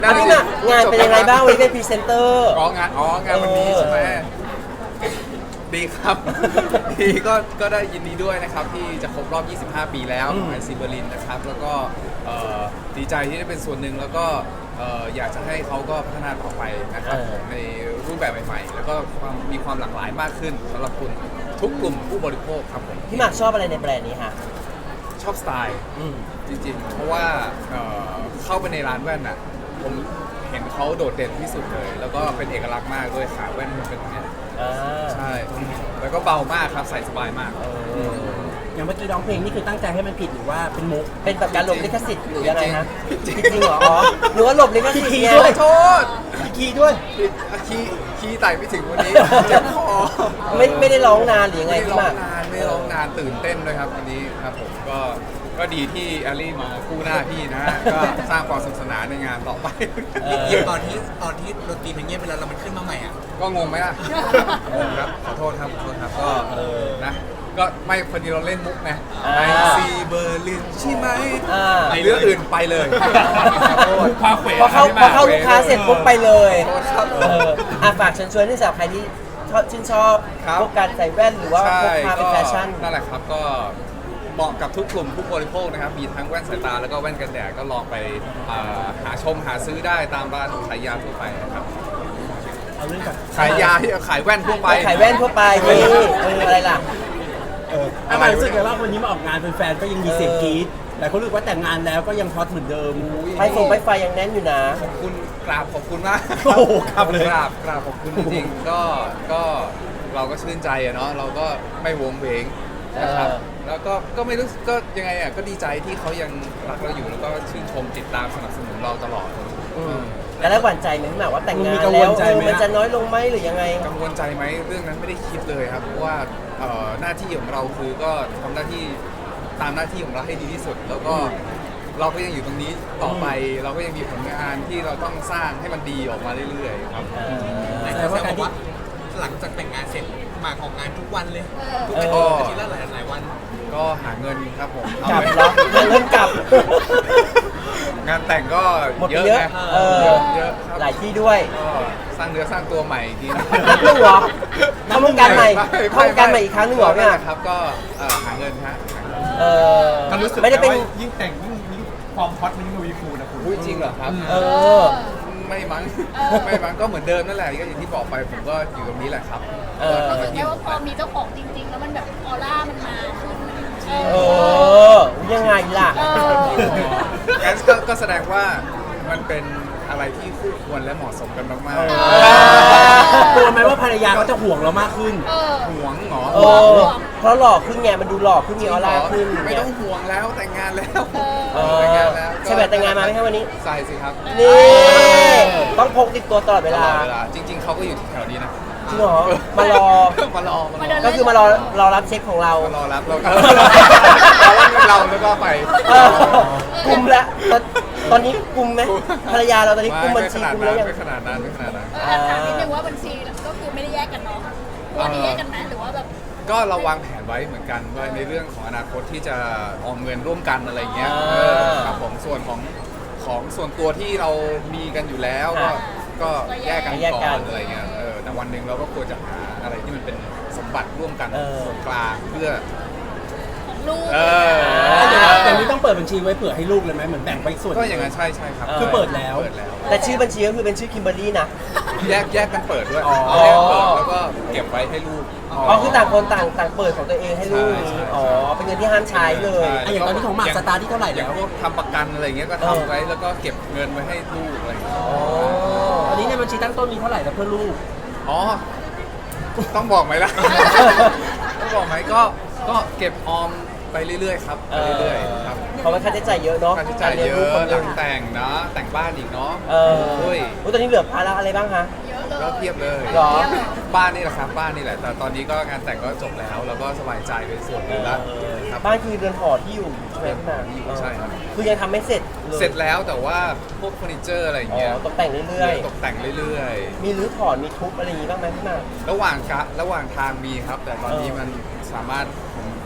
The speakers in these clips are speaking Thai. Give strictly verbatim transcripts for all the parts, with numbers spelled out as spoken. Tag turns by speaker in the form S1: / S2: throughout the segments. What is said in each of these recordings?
S1: อ่ะพี่หมากงานเป็นยังไงบ้างวันนี้เป็นพรีเซนเตอร์
S2: อ๋องานอ๋องานวันนี้ใช่ไหมดีครับ ดีก็ก็ได้ยินดีด้วยนะครับที่จะครบรอบ ยี่สิบห้า ปีแล้วของไอซีเบอร์ลินนะครับแล้วก็เอ่อดีใจที่ได้เป็นส่วนหนึ่งแล้วก็เอ่ออยากจะให้เขาก็พัฒนาต่อไปนะครับ
S1: เออ
S2: ในรูปแบบใหม่ๆ แล้วก็ความมีความหลากหลายมากขึ้นสำหรับคุณทุกกลุ่มผู้บริโภคครับผม
S1: พี่หมากชอบอะไรในแบรนด์นี้คะ
S2: ชอบสไตล์
S1: อืม
S2: จริงๆ เพราะว่าเอ่อเข้าไปในร้านแว่นอ่ะผมเห็นเขาโดดเด่นที่สุดเลย แล้วก็เป็นเอกลักษณ์มากด้วยขาแว่นมันเป็นอย่างเนี้ย
S1: อ่า
S2: ใช่ แล้วก็เบามากครับใส่สบายมาก
S1: เออ
S3: อย่างเมื่อกี้ร้องเพลงนี่คือตั้งใจให้มันผิดหรือว่าเป็นมุก
S1: เป็นแบบการหลบลิขสิทธิ์หรือยังไงฮะ
S2: จ
S1: จ
S2: ริงๆ
S1: ริงๆเหรออ๋อหรือว่าหลบลิขสิทธิ์
S3: ขี้
S1: ไง
S3: ด้วย
S2: โทษ
S3: คีย์ด้วย
S2: ผิดอ่ะคีย์คีย์ไต่ไม่ถึงวันนี้เจ็บคอ
S1: ไม่ไม่ได้ร้องนานหรือยังไง
S2: ไม่
S1: พี่
S2: ร้
S1: ห
S2: อ
S1: มาง ก
S2: นานไม่ร้องนานตื่นเต้นด้วยครับวันนี้ครับผมก็ก็ดีที่แอลลี่มาคู่หน้าพี่นะฮะก็สร้างความสนุกสนานในงานต่อไป
S1: เออ
S4: อย่างตอนที่ตอนที่ดนตรีมันเงียบไปแล้วแล้วมันขึ้นมาใหม่อ่ะ
S2: ก็งงไหมล่ะ งงครับ ขอโทษครับ ขอโทษครับ ก็นะ ก็ไม่พอดีเราเล่นมุกไง
S1: อ่า
S2: ไอซีเบอร์ลินใช่ไหม
S1: อ่า
S2: ไอเรื่องอื่นไปเลย ขอโทษ
S3: พาเขว
S1: พอเข้าพอเข้าลูกค้าเสร็จปุ๊บไปเลย
S2: ขอโทษครับ
S1: เอออ่ะฝากเชิญชวนที่สำหรับใครที่ชอบชื่นชอบ
S2: ครับ
S1: พวกการใส่แว่นหรือว่า
S2: ใช่
S1: พวกพาเป็นแฟชั่น
S2: นั่นแหละครับ ก็เหมาะกับทุกกลุ่มผู้บริโภคนะครับ มีทั้งแว่นสายตาแล้วก็แว่นกันแดด ก็ลองไปอ่าหาชมหาซื้อได้ตามร้านขายยาทั่วไปนะครับ
S3: เอาเรื่องกับ
S2: ขายยาที่ขายแว่นทั่วไป
S1: ขายแว่นทั่วไปนี่เอออะไรล่ะ
S3: เอออะไรรู้สึกไงว่าวันนี้มาออกงานเป็นแฟนก็ยังมีเสียงกรี๊ดหลายคนรู้สึกว่าแต่งงานแล้วก็ยังฮอตเหมือนเดิม
S1: ไฟฟงไฟไฟยังแน่นอยู่นะ
S2: ขอบคุณกราบขอบคุณมาก
S3: โอ้โหครับเลย
S2: กราบกราบขอบคุณจริงๆก็ก็เราก็ชื่นใจอะเนาะเราก็ไม่วงเวงนะครับ
S1: เออ
S2: แล้วก็ก็ไม่รู้สึกก็ยังไงอ่ะก็ดีใจที่เขายังรักเราอยู่แล้วก็ชื่นชมติดตามสนับสนุนเราตลอด
S1: อืมแล้วหวั่นใจไหมพี่หมากว่าแต่งงาน
S3: มีกังว
S1: แล้ว
S3: ลใจ
S1: เออ
S3: ไหม
S1: มันจะน้อยลงไหมหรือยังไง
S2: กังวลใจไหมเรื่องนั้นไม่ได้คิดเลยครับเพราะว่าเอ่อหน้าที่ของเราคือก็ทำหน้าที่ตามหน้าที่ของเราให้ดีที่สุด แล้วก็เราก็ยังอยู่ตรงนี้ต่อไป เราก็ยังมีผลงานที่เราต้องสร้างให้มันดีออกมาเรื่อยๆครับ
S4: หลายคนแซวบอกว่าหลังจากแต่งงานเสร็จหมากของงานทุกวันเลย ทุก
S1: เอ
S4: อา
S1: อ
S4: ทิตย์อาทิตย์ละหลายหลายวัน
S2: ก็หาเงินครับผม
S1: กลับ
S2: เอา
S1: แล้วหาเงินกลับ
S2: งานแต่งก็
S1: หมดไป
S2: เยอะ
S1: เยอะ
S2: นะ
S1: เออ
S2: เยอะเยอะครับ
S1: หลายที่ด้วย
S2: ก็สร้างเนื้อสร้างตัวใหม่อีกทีนะ
S1: นับหนึ่งเหรอทำวงการใหม่ทำวงการใหม่อีกครั้งหนึ่งเหรอเนี่ย
S2: นั่นแหละครับก็เอ่อหาเงินฮะหาเงิน
S1: เออไม่ได้เป็น
S5: ยิ่งแต่งยิ่งยิ่งความฮอตมันยิ่งทวีคูณนะคุณ
S2: อุ๊ยจริงเหรอครับ
S1: เออ
S2: ไม่มั้งไม่มั้งก็เหมือนเดิมนั่นแหละก็อย่างที่บอกไปผมก็อยู่ตรงนี้แหละครับ
S1: เออ
S2: ก็ทำหน้าที่
S6: แค่
S2: ขอ
S6: ว่าง พ
S2: ผ
S6: อ
S2: ม
S6: มีเจ้าของจริง ๆ แล้วมันแบบออร่ามันมาขึ้นมัน
S1: เออ ยังไงล่ะ
S6: เออ
S2: งั้นก็ก็แสดงว่ามันเป็นอะไรที่คู่ควรและเหมาะสมกันมาก
S1: เอ
S3: กลัวไหมว่าภรรยาเขาจะห่วงเรามากขึ้น
S6: เออ
S2: ๆห่วงเหรอ
S1: เออเพราะหล่อขึ้นไงมันดูหล่อขึ้นมีออร่าขึ้น
S2: ไม่ต้องห่วงแล้วแต่งงานแล้ว
S1: เออ
S2: แต่งงานแล้ว
S1: ใช่ไหมแต่งงานมาไหมครับวันนี้
S2: ใส่สิครับ
S1: นี่ต้องพกติดตัวตลอดเว
S2: ต
S1: ลา
S2: ลอดเวลาจริง ๆเขาก็อยู่แถวนี้นะ
S1: จริงเหรอมารอ
S2: มารอมารอ
S1: ก็คือมารอรอรับเช็คของเรา
S2: มารอรับเราเรารับเงินเราแล้วก็ไป
S1: เออกลุ่มละตอนตอนนี้กลุ่มไหมภรรยาเราตอนนี้กลุ่มบัญชีกลุ่มแล้วยัง
S2: ไม่ขนาดนั้นไม่ขนาดนั้น
S6: เออถามนิดนึงว่าบัญชีก็คือไม่ได้แยกกันเนาะตัวนี้แยกกันไหมหรือว่าแบบ
S2: ก็เราวางแผนไว้เหมือนกันว่าในเรื่องของอนาคตที่จะออมเงินร่วมกันอะไรเงี้ย
S1: อ่า
S2: เออครับผมส่วนของของส่วนตัวที่เรามีกันอยู่แล้วก็
S1: อ่า
S2: ก็แยกกัน
S1: แยกกั
S2: ก่อน นอะไรเงี้ยเออแต่วันหนึ่งเราก็ควรจะหาอะไรที่มันเป็นสมบัติร่วมกัน
S1: เออ
S2: ส่วนกลางเพื่อ
S6: ของลูก
S2: เออ
S3: อย่างนี้ต้องเปิดบัญชีไว้เผื่อให้ลูกเลยไหมเหมือนแบ่งไปส่วน
S2: ก็อย่างนั้นใช่ใช่ครับ
S3: คือเปิดแล้ว
S2: เปิดแล้ว
S1: แต่ชื่อบัญชีก็คือเป็นชื่อคิมเบอร์รี่นะ
S2: แยกแยกกันเปิดด้วย
S1: อ๋อ
S2: แยกเปิดแล้วก็เก็บไว้ให้ลูก
S1: อ๋อคือต่างคนต่างต่างเปิดของตัวเองให้ลูก
S2: ใช่ใช่
S1: อ๋อเป็นเงินที่ห้ามใช้เลย
S2: ใช่
S3: อ่ะอย่างตอนนี้ของหมากสตาร์ทที่เท่าไหร่
S2: อย่า
S3: แล้
S2: ง
S3: ว
S2: พวกทำประกันอะไรเงี้ยก็
S1: เออ
S2: ทำไว้แล้วก็เก็บเงินไว้ให้ลูกอะไรเงี้ย
S1: อ๋อ
S3: ตอนนี้ในบัญชีตั้งต้นมีเท่าไหร่แล้วเพื่อลูก
S2: อ๋อ ต้องบอกไหมล่ะ ต้องบอกไหมก็ก็เก็บออมไปเรื่อยๆครับไปเรื่อยๆครับ
S1: เพราะว่าค่าใช้จ่ายเยอะเนาะ
S2: ค่าใช้จ่ายเย
S1: กลี้งลูกค
S2: อะ
S1: นห
S2: หลั
S1: นึ่
S2: ง
S1: ง
S2: แต่งนะแต่งบ้านอีกเนาะ
S1: เออ
S2: โอ้ย
S1: อุ๊ยตอนนี้เหลือภาระอะไรบ้างคะ
S6: เยอะเลย
S2: ก็เทียบเลย
S1: หรอ
S2: บ้านนี่แหละครับบ้านนี่แหละแต่ตอนนี้ก็งานแต่งก็จบแล้วแล้วก็สบายใจเป็นส่วนหนึ่งแล้วครับ
S1: บ้านคือเรือนหอที่อยู่ใช่ไหมพี่หมาก
S2: อยู่ใช่ครับ
S1: คือยังทำไม่เสร็จลย
S2: เสร็จแล้วแต่ว่าพวกเฟอร์นิเจอร์อะไรอย่าง
S1: อ๋
S2: เงี้ย
S1: อตกแต่งเรื่อย
S2: ตกแต่งเรื่อย
S1: ๆ มีรื้อถอนมีทุบอะไรอย่างงี้บ้างไหมพี่หมาก
S2: ๆ ระหว่างกะระหว่างทางมีครับ แต่ตอนนี้
S1: เออ
S2: มันสามารถผมอยู่ส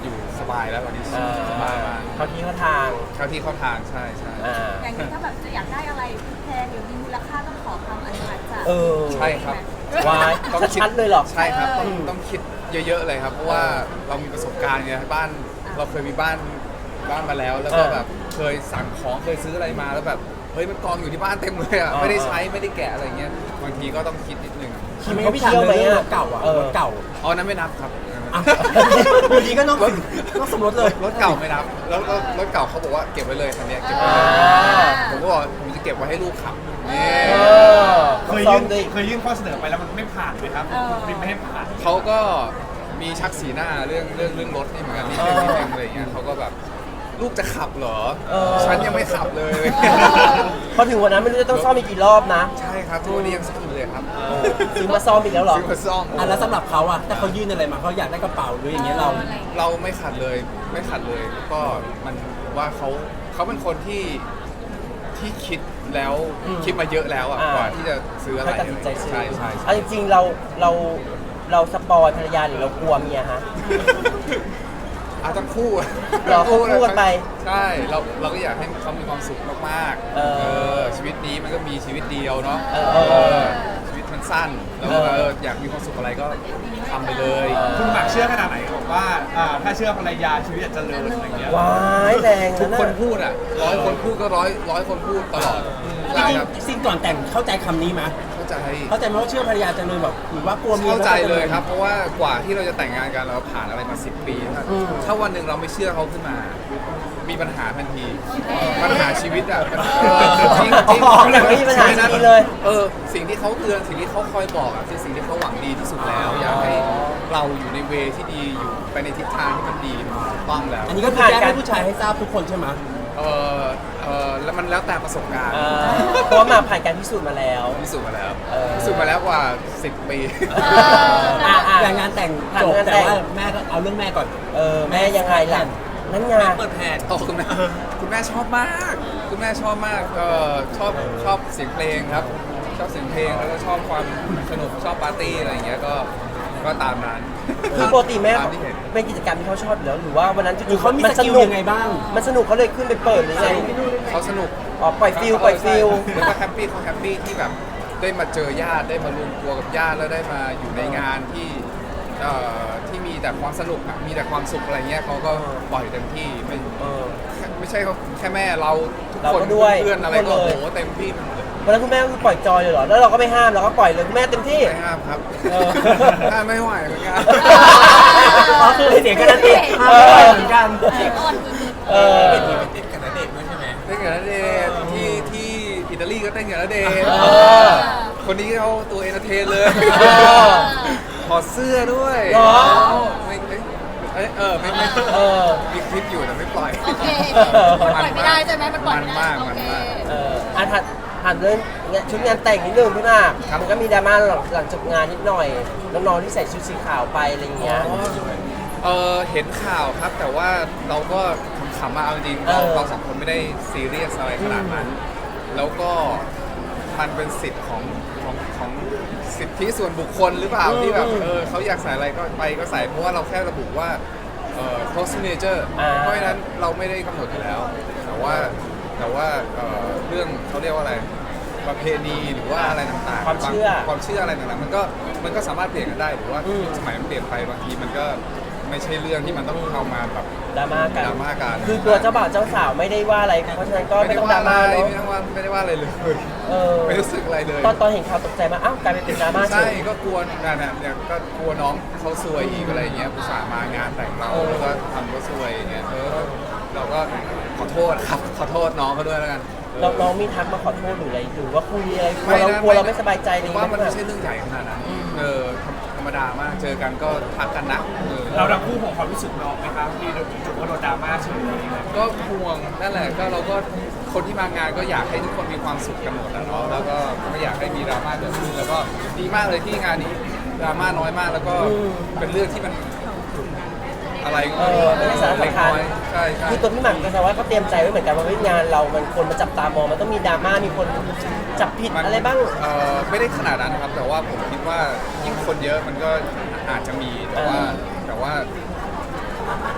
S2: บายแล้วตอนนี้
S1: อ่า
S2: สบายมาก
S1: เขาที่เขาทาง
S2: เข้าที่เข้าทางใช่ใช่
S1: อ่า
S6: อย่างนี้ถ้าแบบจะอยากได้อะไรแพงหรือมีมูลค่าต้องขอคำอนุมัติจาก
S1: เออ
S2: ใช่ครับ
S1: วาย
S2: ต้องคิด
S1: ชัดๆเลยเหรอ
S2: ใช่ครับ ต้อง
S1: อืม
S2: ต้องคิดเยอะๆเลยครับ เพราะว่าเรามีประสบการณ์ไงบ้านเราเคยมีบ้านบ้านมาแล้ว แล้วก็
S1: อ่า
S2: แบบเคยสั่งของเคยซื้ออะไรมาแล้วแบบเฮ้ยมันกองอยู่ที่บ้านเต็มเลยอ่ะ
S1: อ่า
S2: ไม่ได้ใช้ไม่ได้แกะอะไรเงี้ยบางทีก็ต้องคิดนิดนึง
S3: ทีนี้พี่ถามเลยเรื่องรถเก่าอ่ะ
S1: เออ
S3: รถเก่า
S2: อ๋อนั้นไม่นับครับ
S3: อ่ะอยู่ดีก็นอกสินอกสมรสเลย
S2: รถเก่าไม่นับแล้วรถรถเก่าเขาบอกว่าเก็บไว้เลยคันเนี้ยเก็บไว้
S1: อ่า
S2: เลยผมก็บอกผมจะเก็บไว้ให้ลูกขับนี่
S1: เออ
S5: เคย
S1: ซ้อ
S5: ยื่
S1: ม
S5: น
S1: ด้วย
S5: เคยยื่นข้อเสนอไปแล้วมันไม่ผ่านเลยครับคุณบินไม่ให้ผ่าน
S2: เขาก็มีชักสีหน้าเรื่องเรื่องเรื่องรถนี่เหมือนกันนิดนึงนิดนึงอะไรอย่างเงี้ยเขาก็แบบลูกจะขับเหรอ
S1: เออ
S2: ฉันยังไม่ขับเลย
S1: พอถึงวันนั้นไม่รู้จะต้องซ่อมอีกกี่รอบนะ
S2: ใช่ครับทุกวันนี้ยังซ่อมอยู่เลยครับ
S1: ซื้อมาซ่อมอีกแล้วเหรอ
S2: ซื้อมาซ่อม
S3: อ่ะแล้วสำหรับเขาอ่ะถ้าเขายื่นอะไรมาเขาอยากได้กระเป๋าหรืออย่างเงี้ยเรา
S2: เราไม่ขัดเลยไม่ขัดเลยแล้วก็มันว่าเขาเขาเป็นคนที่ที่คิดแล้ว
S1: อืม
S2: คิดมาเยอะแล้วอ่ะ
S1: อ่าก
S2: กว่าที่จะซื้ออะไร
S1: ให้ตัดสินใจซื้อ
S2: ใช่ใช่ใช่
S1: เอาจริงๆเราเราเราสปอยภรรยาหรือเรากลัวเมียฮะ
S2: อ่ะทั้งคู่
S1: เหรอคู่กันไป
S2: ใช่เราเราก็อยากให้เขามีความสุขมากๆ
S1: เออ
S2: ชีวิตนี้มันก็มีชีวิตเดียวเนาะ
S1: เออเออ
S2: เออชีวิตมันสั้นแล้วก็
S1: เออ
S2: เอออยากมีความสุขอะไรก็ทำไปเลย
S5: คุณหมากเชื่อขนาดไหนบอกว่าอ่าถ้าเชื่อภรรยาชีวิตจะเจริญอะไรอย่างเงี้ย
S1: ว้ายแรง
S2: ทุก
S1: นะ
S2: คนพูดอ่ะร้อยคนพูดก็ร้อยร้อยคนพูดตลอดใช่ครับ
S3: จริงๆสิ่งก่อนแต่งเข้าใจคำนี้ไหม
S2: เข้าใจ
S3: เข้าใจไหมว่าเชื่อภรรยาจะเลยแบบหรือว่ากลัวเมีย
S2: เข้าใจเลยครับ
S3: แว
S2: เพราะว่ากว่าที่เราจะแต่งงานกันเราผ่านอะไรมาสิบปีนะ
S1: อืม
S2: ถ้าวันหนึ่งเราไม่เชื่อเขาขึ้นมา มีปัญหาทันที ปัญหาชีวิตอ่ะมันเออจริงจริง
S1: อ๋อไม่มีปัญหาชีวิตเลย
S2: เออสิ่งที่เขาเตือนสิ่งที่เขาคอยบอกอ่ะคือสิ่งที่เขาหวังดีที่สุดแล้ว อยากให้เราอยู่ในเวที่ดีอยู่ไปในทิศทางที่มันดีมันถูกต้องแล้ว
S3: อันนี้ก็คือแจ้งให้ผู้ชายให้ทราบทุกคนใช่ไหม
S2: เออเออแล้วมันแล้วแต่ประสบการณ์
S1: อ่าเพราะว่ามาผ่านการพิสูจน์มาแล้ว
S2: พิสูจน์มาแล้ว
S1: เออ
S2: พิสูจน์มาแล้วกว่าสิบปี
S1: อ่ะอ่ะ
S3: อย่างงานแต่ง
S1: ผ่าน
S3: จบ
S1: งาน
S3: แต่
S1: แต่ง
S3: ว่าแม่ก็เอาเรื่องแม่ก่อน
S1: เออแม่ยังไงล่ะนั่นไง
S4: เปิดแผน
S2: โอ้คุณแม่คุณแม่ชอบมาก คุณแม่ชอบมากเออชอบชอบเสียงเพลงครับ ชอบเสียงเพลงแล้วก็ชอบความสนุกชอบปาร์ตี้อะไรอย่างเงี้ยก็ก็ตามนั้น
S1: คือปกติแม่
S2: ตามที่เห็น
S1: เป็นกิจกรรมที่เขาชอบอยู่แล้วหรือว่าวันนั้น
S3: หรือเขามี
S1: น
S3: สกิลยังไงบ้าง
S1: มันสนุกเขาเลยขึ้นไปเปิดหรือไง
S2: เขาสนุก
S1: อ๋อปล่อยฟิลปล่อยฟิล
S2: แล้วก็แฮปปี้เขาแฮปปี้ที่แบบได้มาเจอญาติได้มารวมตัวกับญาติแล้วได้มาอยู่ในงานที่เอ่อที่มีแต่ความสนุกอะมีแต่ความสุขอะไรเงี้ยเขาก็ปล่อยเต็มที่ไม่
S1: เออ
S2: ไม่ใช่แค่แม่เราทุก
S1: เรา
S2: คน
S1: ก็ด้วย
S2: เพื่อนอะไร
S1: ทุก
S2: ก็
S1: คน
S2: โอ้
S1: เลย
S2: โหเต็มที่หมดเลย
S1: วันนั้นคุณแม่ก็คือปล่อยจอยเลยเหรอแล้วเราก็ไม่ห้ามเราก็ปล่อยเลยคุณแม่เต็มที่
S2: ไม่ห้ามครับ
S1: เออ
S2: ห้ามไม่ไหวเหมือนกัน
S3: อ๋อคือเสียงกันนั่นเองห้ามไม่ได้เหมือนกัน
S6: อ่อนสุด
S1: เออ
S4: ติดกับณเดชน์ด้วยใช่ไหม
S2: เต้นกับณเดชน์ที่ที่อิตาลีก็เต้นกับณเดชน์
S1: เออ
S2: คนนี้เขาตัวเอนเตอร์เทนเลย
S1: เออ
S2: ถอดเสื้อด้วย
S1: เหรอ
S2: ไม่เอ้ยเอ้ยเออไม่ไม่
S1: เออ
S2: มีคลิปอยู่แต่ไม่ปล่อย
S6: โอเคมันปล่อยไม่ได้ใช่ไหมมันปล่อย
S2: มัน
S6: ไม่ได้
S2: มาก
S6: โอ
S2: มัน
S6: เค
S2: มาก
S1: เอออ่ะถัดถัดเรื่องชุดงานแต่งนิดนึงพี่มาก
S2: ครับ
S1: มันก็มีดราม่าหลังหลังจบงานนิดหน่อยน้องๆที่ใส่ชุดสีขาวไปอะไรอย่างเงี้ย
S2: เออเห็นข่าวครับแต่ว่าเราก็ขำๆมาเอาจริงๆเรา
S1: เออ
S2: เราสองคนไม่ได้ซีเรียสอะไรขนาดนั้น แล้วก็มันเป็นสิทธิ์ของของของสิทธิส่วนบุคคลหรือเปล่าที่แบบเออเขาอยากใส่อะไรก็ไปก็ใส่เพราะว่าเราแค่ระบุว่าเอ่อ close signature
S1: อ่า
S2: เพราะฉะนั้นเราไม่ได้กำหนดอยู่แล้ว แต่ว่าแต่ว่าเอ่อเรื่องเขาเรียกว่าอะไรประเพณีหรือว่าอะไรต่างๆ
S1: ความเชื่อ
S2: ความเชื่ออะไรต่างๆมันก็มันก็สามารถเปลี่ยนกันได้หรือว่า
S1: อืม
S2: สมัยมันเปลี่ยนไปบางทีมันก็ไม่ใช่เรื่องที่มันต้องเข้ามาแบบ
S1: ดราม่ากัน
S2: ดราม่ากัน
S1: คือตัวเจ้าบ่าวเจ้าสาวไม่ได้ว่าอะไรเพราะฉะนั้นก็ไม่ต้องดราม่า
S2: อะไร
S1: เนอะ
S2: ไม่ต้องว่าไม่ได้ว่าอะไรเลย
S1: เออ
S2: ไม่รู้สึกอะไรเลย
S1: ตอนตอนเห็นข่าวตกใจมากอ้าวกลายเป็นเป็นดราม่าเฉ
S2: ใช่
S1: ย
S2: ก็กลัวนั่นน่ะเนี่ยก็กลัวน้องเขาซวยอีกอะไรอย่างเงี้ยผู้สามางานแต่งเรา
S1: เออ
S2: แล้วก็ทำก็ซวยอย่างเงี้ยเออเราก็ขอโทษครับขอโทษน้องเขาด้วยแล้วกันเออ
S1: น้องน้องมีทักมาขอโทษหรืออะไรหรือว่าคุยอะไรกลัว
S2: ไม่
S1: เรา
S2: นะ
S1: กลัวเราไม่สบายใจอะไร
S2: ผ
S1: อ
S2: ม
S1: ย่าง
S2: ว่า
S1: เงี้ย
S2: มันไม่ใช่เรื่องใหญ่ขนาดนั้นเออธรรมธรรมดามากเจอกันก็ทักกันนะเออ
S5: เราทั้งคู่ของความรู้สึกน้องไหมครับที่จุดว่าโดนดราม่าเฉยอะไรอย่างเงี้ย
S2: ก็ห่วงนั่นแหละก็เราก็คนที่มางานก็อยากให้ทุกคนมีความสุขกันหมดนะเนาะแล้วก็ไม่อยากให้มีดราม่าเกิดขึ้นแล้วก็ดีมากเลยที่งานนี้ดราม่าน้อยมากแล้วก็เป็นเรื่องที่มันอะไร
S1: เออไม่ได้สาระสำคัญ
S2: เล็กน้อยใช่ใช่
S1: คือตัวพี่หม่ำก็แสดงว่าก็เตรียมใจไว้เหมือนกันว่าเฮ้ยงานเรา มันคนมาจับตามองมันต้องมีดราม่ามีคนจับผิด
S2: มัน
S1: อะไรบ้าง
S2: เอ่อไม่ได้ขนาดนั้นนะครับ แต่ว่าผมคิดว่ายิ่งคนเยอะมันก็อาจจะมีแต่ว่า
S1: เออ
S2: แต่ว่า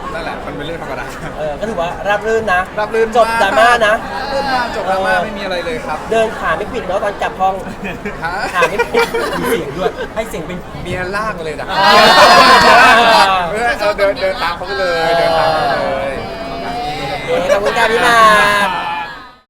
S2: นั่นแหละมันเป็นเรื่องธรรมดา
S1: เออก็ถือว่าราบรื่นนะ
S2: รับรื่น
S1: จบดราม่านะ
S2: รับรื่นมากจบดราม่าไม่มีอะไรเลยครับ
S1: เดินขาไม่ปิดเนาะตอนกลับห้อง
S2: ฮะ
S1: ขาไม่ปิด
S3: มีเสียงด้วยให้เสียงเป็น
S2: เมียลากมาเลยนะ
S1: อ่า
S2: เออเออเดินเดินตามเขาไปเลยเดินตามเขาไปเลย
S1: โอเคขอบคุณค่ะพี่หมาก